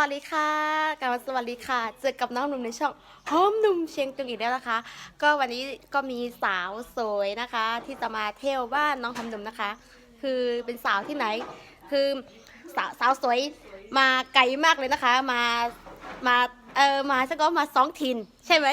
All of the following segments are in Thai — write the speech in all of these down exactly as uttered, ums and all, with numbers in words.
สดีค่ะกลับมาสวัสดีค่ะเจอกับน้องหนุ่มในช่องหอมหนุ่มเชียงตุงอีกแล้วนะคะ ก็วันนี้ก็มีสาวสวยนะคะ ที่จะมาเที่ยวบ้านน้องหอมหนุ่มนะคะ คือเป็นสาวที่ไหน คือสาวสาวสวยมาไกลมากเลยนะคะ มามาเออมาซะก็มาสองถิ่นใช่ไหม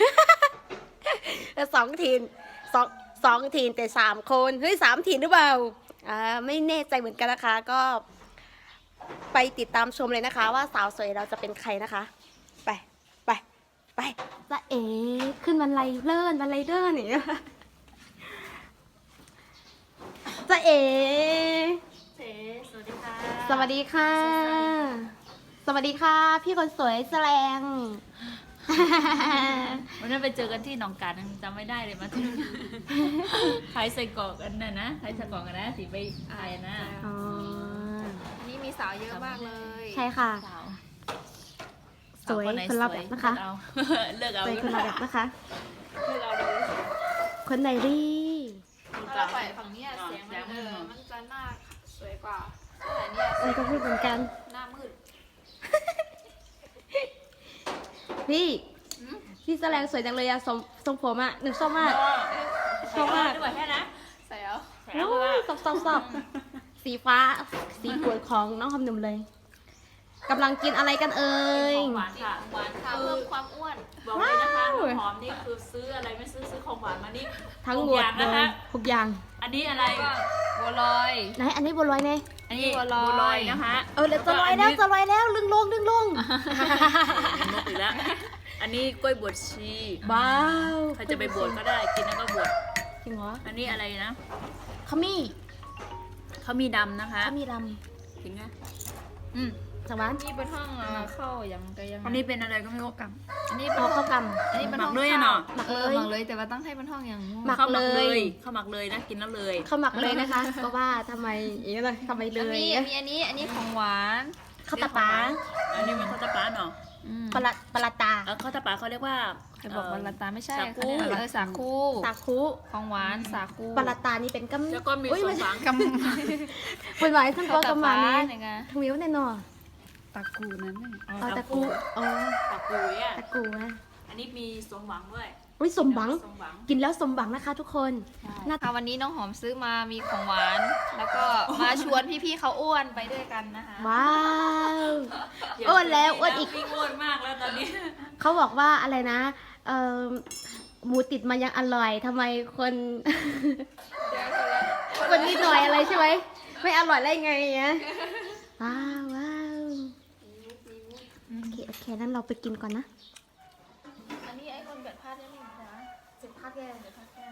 สองถิ่นสองสองถิ่นแต่สามคนเฮ้ยสามถิ่นหรือเปล่าอ่าไม่แน่ใจเหมือนกันนะคะก็ ไปติดตามชมเลยนะคะว่าสาวสวยเราจะเป็นใครนะคะ ไปไปไปจะเอ๋ขึ้นบันไดเลื่อนบันไดเลื่อนนี่จะเอ๋เจ๊สวัสดีค่ะสวัสดีค่ะ สวัสดีค่ะ พี่คนสวยแสลงวันนั้นไปเจอกันที่หนองกาดจำไม่ได้เลยมาที่นู่นขายใส่กรอกกันน่ะนะขายใส่กรอกกันนะสีไปอายนะอ๋ออันนี้มีสาวเยอะมากเลยใช่ค่ะสาวสวยสาวไหคนละแบบนะคะเลือกเอาสวยเลืคอกนเอาละแบบนะคะเลือกเอาเลยคนไหนรีถ้าเราปล่อยฝั่งเนี้ยเสียงมันเออมันจะหน้าสวยกว่าแต่เนี้ยเออก็พูดเหมือนกันหน้ามืดพี่พี่แสลงสวยจังเลยอะทรงทรงผมอะหนึ่งชอบมาก ชอบมากด้วยแค่นะใส่เอาแถวโอ้ว่ายสอบสอบสอบสีฟ้า สีปวดของน้องคำหนุ่มเลยกำลังกินอะไรกันเอ่ยของหวานสีค่ะหวานค่ะเพิ่มความอ้วนบอกเลยนะคะว้าวหอมนี่คือซื้ออะไรไม่ซื้อซื้อของหวานมานี่ทั้งหมทุกดอย่างเลนะยคะทุกอย่างอันนี้อะไรก็บัวลอยไหนอันนี้บัวลอยเน่อันนี้บัวลอยบัวลอยนะคะเออเดี๋ยวจะลอยแล้วจะลอยแล้วลึงลงลึงลงนกอีกแล้ว อันนี้กล้วยบวชชีว้าวใครจะไปบวชก็ได้ กินแล้วก็บวชจริงเหรออันนี้อะไรนะขมิ้เขามีดำนะคะขมิ้ลถึงนะอืมำจากบ้านนี่เป็นห้องเอ่อเข้ายังก็ยังอันนี้เป็นอะไรก็ไม่รู้กับอันนี้เป็นเอาห้ข้าองวกอันนี้เป็นหมัห้กองเลยอะเนาะหมักเอเลอย หมักเลยแต่ว่าต้องให้เป็นห้องอย่างม่วงหมักข้าวหมักเลเลย ยข้าวหมักเลยนะกินแล้วเลยำข้าวหมักเลยนะคะ ก็ว่าทำไมอย่างนี้เลยทำไมเลแล้วยมีมีอันนี้อันนี้ของหวานข้าวตาปาอันนี้มันข้าวตาปลาเนาะอืมปลาปลาตาเออข้าวตาปลาเขาเรียกว่าใครบอกว่าละตาไม่ใช่สาคูเขาเรียกเออสาคูสาคูของหวานสาคูปลาตานี่เป็นกำแล้วก็มีอุ๊ยสมไใช่หวังกำเป็นหมายท่านบอกกำมาเนี่เนี่ยยไงทวิวแน่นอนตากูนั้นน่ะเอาตะกูอ๋อตะกุยอ่ะตะกูนะอันนี้มีสมหวังด้วยอุ้ยสมหวังสมหวังกินแล้วสมหวังนะคะทุกคน หน้าค่ะวันนี้น้องหอมซื้อมามีของหวาน แล้วก็มาชวนพี่ๆเขาอ้วนไปด้วยกันนะคะว้าว อ้วนแล้วอ้วนอีกวิ่งอ้วนมากแล้วตอนนี้เขาบอกว่าอะไรนะเอ่อหมูติดมายังอร่อยทำไมคน คนนิดหน่อยอะไรใช่ไหมไม่อร่อยได้ไงเนี้ยว้าวว้าวโอเคโอเคนั้นเราไปกินก่อนนะอันนี้ไอ้คนเกิดพลาดได้ไหมจ๊ะสิบพักแกเกิดพลาดแค่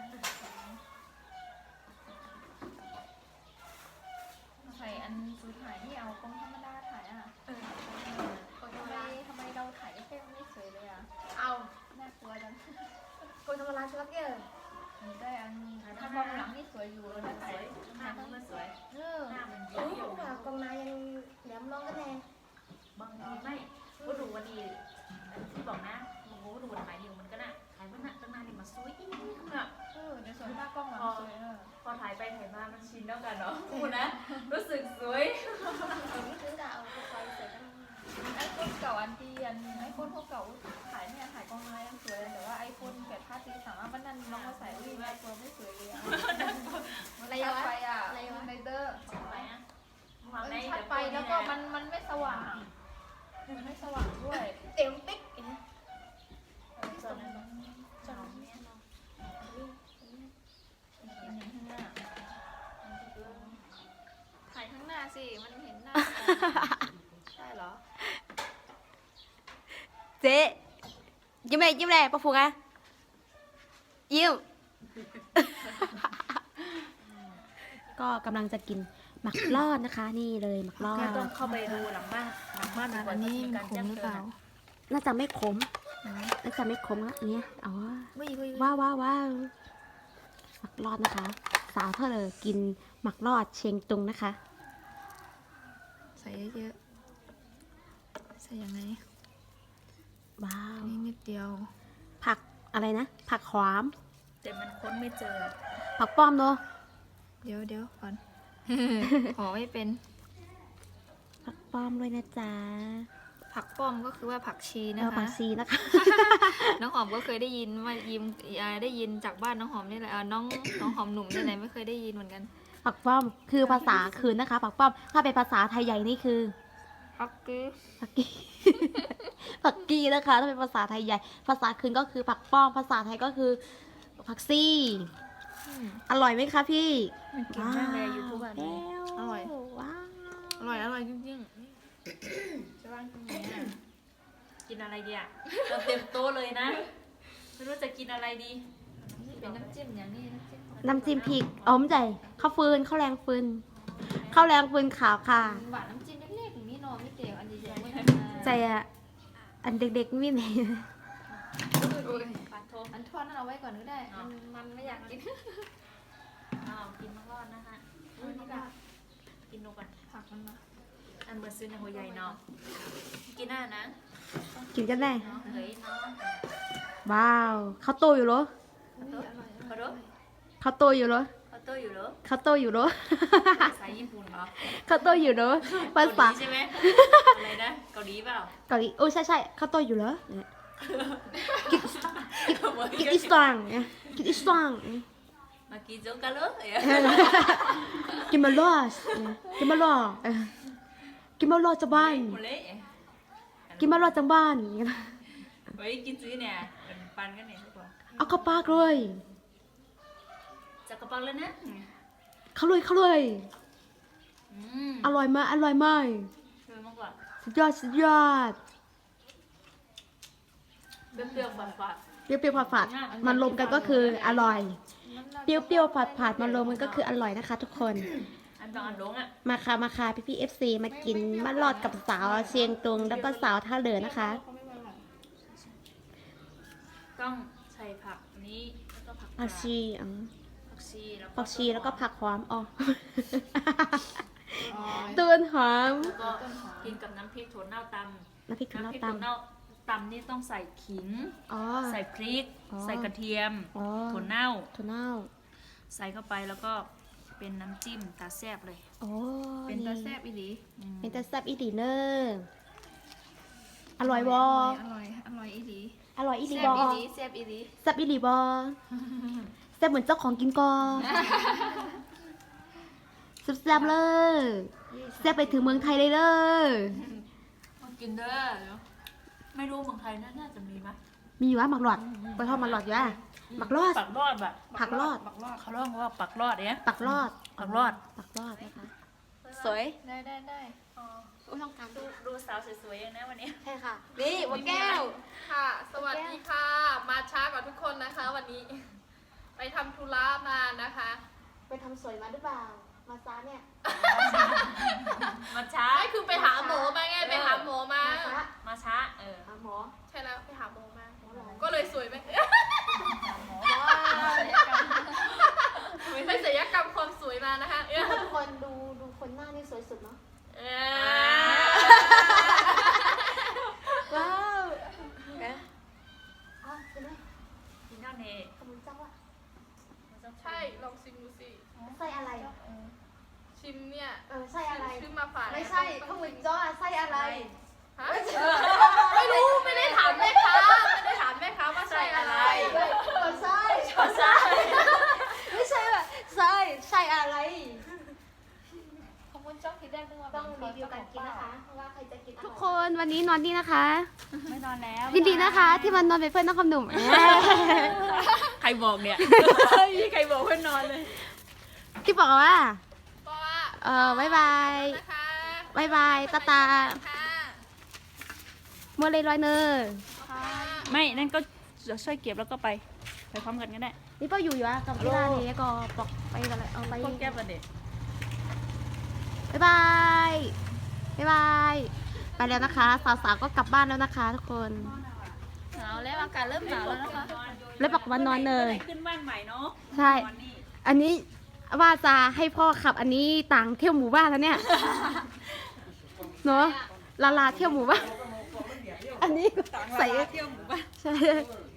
ใส่อันซื้อถ่ายนี่เอากล้องธรรมดาถ่ายอ่ะทำไมทำไมเราถ่ายแค่ไม่สวยเลยอ่ะเอาน่ากลัวจังคนธรรมดาใช่ไหมแกมีได้อันถ้ามองหลังนี่สวยอยู่นะสวยหน้ามันสวยเออหน้ามันเยโอ้อะยกองนายังแหลมลองกันแน่บางทีไม่ก็ดูวันนี้ที่บอกนะโอ้โหดูวันไหนอยู่มันก็น่ะถ่ายมันน่ะตั้งนานนี่มาสวยอีกแบบเออในส่วนหน้ากล้องมันสวยเออพอถ่ายไปถ่ายมามันชินแล้วกันเนาะคุณนะ รู้สึกสวยนี่คือดาวไฟเสร็จแล้วไอโฟนเก่าอันที่อันไอโฟนพวกเก่าถ่ายเนี่ยถ่ายกล้องไม้ยังสวยเลยแต่ว่าไอโฟนเกิดพลาดทีสามารถมันนั่นน้องมาใส่วิ่งไอโฟนไม่สวยเลยอะมันชัดไปอ่ะในเดอร์ไปนะมันชัดไปแล้วก็มันมันไม่สว่างมันไม่สว่างด้วยเต็มปิ๊กอย่างเงี้ยจนจนถ่ายข้างหน้าสิ มันเห็นหน้าใช่เหรอเจ๊ยิ้มเลยยิ้มเลยปะฟูงอะยิ้ม ก็กำลังจะกินหมักลอดนะคะ นี่เลยหมักลอดก็ต้องเข้าไปดูหลังบ้านหลังบ้านอันนี้มันขมหรือเปล่าน่าจะไม่ขมน่าจะไม่ขมอะอันเนี้ยอ๋อวิ่งวิ่งว้าวว้าวว้าวหมักลอดนะคะ สาวเธอเลยกินหมักลอดเชียงตุงนะคะใส่เยอะๆใส่ยังไงว้าวนี่นิดเดียวผักอะไรนะ ผักขวามแต่มันค้นไม่เจอผักป้อมเนาะเดี๋ยวเดี๋ยวก่อน ขอไม่เป็นผักป้อมด้วยนะจ๊ะผักป้อมก็คือว่าผักชีเอนะอผัคะกชีนะคะน้องหอมก็เคยได้ยินมายิมอ่าได้ยินจากบ้านน้องหอมนี่แหละอ่าน้องน้องหอมหนุ่มนี่แหละไม่เคยได้ยินเหมือนกันผักป้อมคือภาษาคืนนะคะผักป้อมถ้าเป็นภาษาไทยใหญ่นี่คือผักกีผักกี ผักกีนะคะถ้าเป็นภาษาไทยใหญ่ ภาษาคืนก็คือผักป้อมภาษาไทยก็คือผักซี่ อร่อยไหมคะพี่มันกินมากเลยยูทูบอันนี้ อร่อยว้าวอร่อยอร่อยจริงๆจะว่างตรงนี้อ่ะกินอะไรดีอ่ะเราเต็มโต๊ะเลยนะไม่รู้จะกินอะไรดีนี่เป็นน้ำจิ้มอย่างนี้น้ำจิ้มน้ำจิ้มพริกอ๋อมใจข้าวฟืนข้าวแรงฟืนข้าวแรงฟืนขาวค่ะหวานน้ำจิ้มเล็กๆอย่างนี้เนอะไม่เตียวอันใหญ่ๆไม่ใจอะอันเด็กๆไม่ไหนปาโทอันทอดนั่นเอาไว้ก่อนก็ได้ มันมันไม่อยากกินอ้าวกินมังรอดนะคะอันนี้ก็กินนกก่อนผักมันมาอันเบอร์ซื้อในหัวใหญ่เนาะกินหน้านะกินกันแน่เนาะเฮ้ยเนาะว้าวข้าวโตอยู่เหรออันนี้อร่อยขอโทษข้าวโตอยู่เหรอเขาโต้อยู่เหรอข้าวโตอยู่เหรอภาษาญี่ปุ่นเหรอข้าวโตอยู่เหรอภาเกาหษาลีใช่ไหมอะไรนะเกาหลีเปล่าเกาหลีโอ้ใช่ใช่ข้าวโตอยู่เหรอเนี่ยกินกินอิสตังเนี่ยกินอิสตังเนี่ยมากินโจ๊กกันเลยเอ๊ะกินมาลอสเนี่ยกินมาลอเออกินมาลอจากบ้านหมดเลยกินมาลอจากบ้านอย่างเงี้ยเฮ้ยกินซื้อเนี่ยเป็นปันกันเนี่ยทุกคนเอาเข้าปากเลยจะกระเป๋าแล้วนะเข้าเลยเข้าเลยอืมอร่อยมากอร่อยมากเชื่อมากกว่าสุดยอดสุดยอดเปรี้ยวๆฝาดเปรี้ยวๆผัดๆมันรวมกันก็คืออร่อย เปรี้ยวๆผัดๆมันรวมกันก็คืออร่อยนะคะ ทุกคนๆอันบางอันลงอ่ะมาค่ะมาค่ะพี่พี่เอฟซีมากินมะลอดกับสาวเชียงตุงแล้วก็สาวท่าเรือนะคะต้องใส่ผักอันนี้แล้วก็ผักผักชีอ๋อผักชีแล้วผักชีแล้วก็ผักหอมอ๋ออ๋อต้นหอมแล้วก็กินกับน้ำพริกถั่วเน่าตน้ำพริกำถั่วน้ำเน่าพริกตถั่วเน่าตำนี่ต้องใส่ขิงำอ๋อใส่พริกอ๋อใส่กระเทียมอ๋อถั่วเน่าถั่วเน่าใส่เข้าไปแล้วก็เป็นน้ำจิ้มตาแซ่บเลยโอ้เป็นตาแซ่บอีหลีอืมเป็นตาแซ่บอีดีเนอร์อร่อยบออร่อยอร่อยอีหลีอร่อยอีดีแซ่บบ ออีหลีแซ่บอีหลีแซ่บอีดีบอแซ่บเหมือนเจ้าของกินกอแซ่บๆเลยแซ่บไปถึงเมืองไทยเลยเลยมากินเด้อเดี๋ยวไม่รู้เมืองไทยน่าจะมีไหมมีอยู่ว่าหมักหลอดไปทอดหมักหลอดอยู่อ่ะหมักรอดปักรอดแบบผักรอดเขาเรียกว่าปักรอดเนี่ยปักรอดปักรอดปักรอดนะคะสวยได้ได้ได้อุ้ยต้องการดูดูสาวสวยๆอย่างนะวันนี้ใช่ค่ะ นี่วัแก้วค่ะ สวัสดีค่ะ มาช้ากว่าทุกคนนะคะ วันนี้ ไปทำธุระมานะคะไปทำสวยมาหรือเปล่า มาซาเนี่ยมาช้าไอ้คือไปหาหมอมาไง ไปหาหมอมามาซามาช้าเออหาหมอใช่แล้วไปหาหมอมาหมอหรอก็เลยสวยไหมว้าวไปศัลยกรรมความสวยมานะคะเออทุกคนดูดูคนหน้านี่สวยสุดเนาะเอว้าวอ้าวเป็นไงกินข้าวเนยขมุนจังวะใช่ ลองชิมดูสิไส้อะไรชิมเนี่ยเออไส้อะไรซื้อมาฝากไม่ใช่ขมุนจ้อไส้อะไรฮะไม่รู้ ไม่ได้ถามแม่ค้า ไม่ได้ถามแม่ค้าว่าใช่อะไรไม่ใช่มาช้าไม่ใช่แบบไส้ใช่อะไรขอบคุณจ้องคิดได้ด้วยต้องรีวิวการกินนะคะว่าใครจะกินทุกคนวันนี้นอนนี่นะคะไม่นอนแล้วยินดีนะคะ ที่มันนอนเป็นเพื่อนน้องคำหนุ่มใครบอกเนี่ยใครบอกเพื่อนนอนเลยที่บอกว่าเพราะว่าเออบายบายนะคะบายบายตาตาค่ะมัวเลยลอยเนอร์ไม่นั่นก็จะช่วยเก็บแล้วก็ไปไปพร้อมกันก็ได้นี่ป้าอยู่อยู่อะกับที่ร้านนี้ก็บอกไปกันเลยเอาไปพวกแก้วประเด็นบายบายบายบายไปแล้วนะคะสาวๆก็กลับบ้านแล้วนะคะ ทุกคนหนาวแล้วอากาศเริ่มหนาวแล้วนะคะแล้วบอกว่านอนเลยขึ้นบ้านใหม่เนาะใช่ อันนี้ว่าจะให้พ่อขับอันนี้ต่างเที่ยวหมู่บ้านแล้วเนี่ย เนาะลาลาเที่ยวหมู่บ้าน อันนี้ใส่เที่ยวหมู่บ้านใช่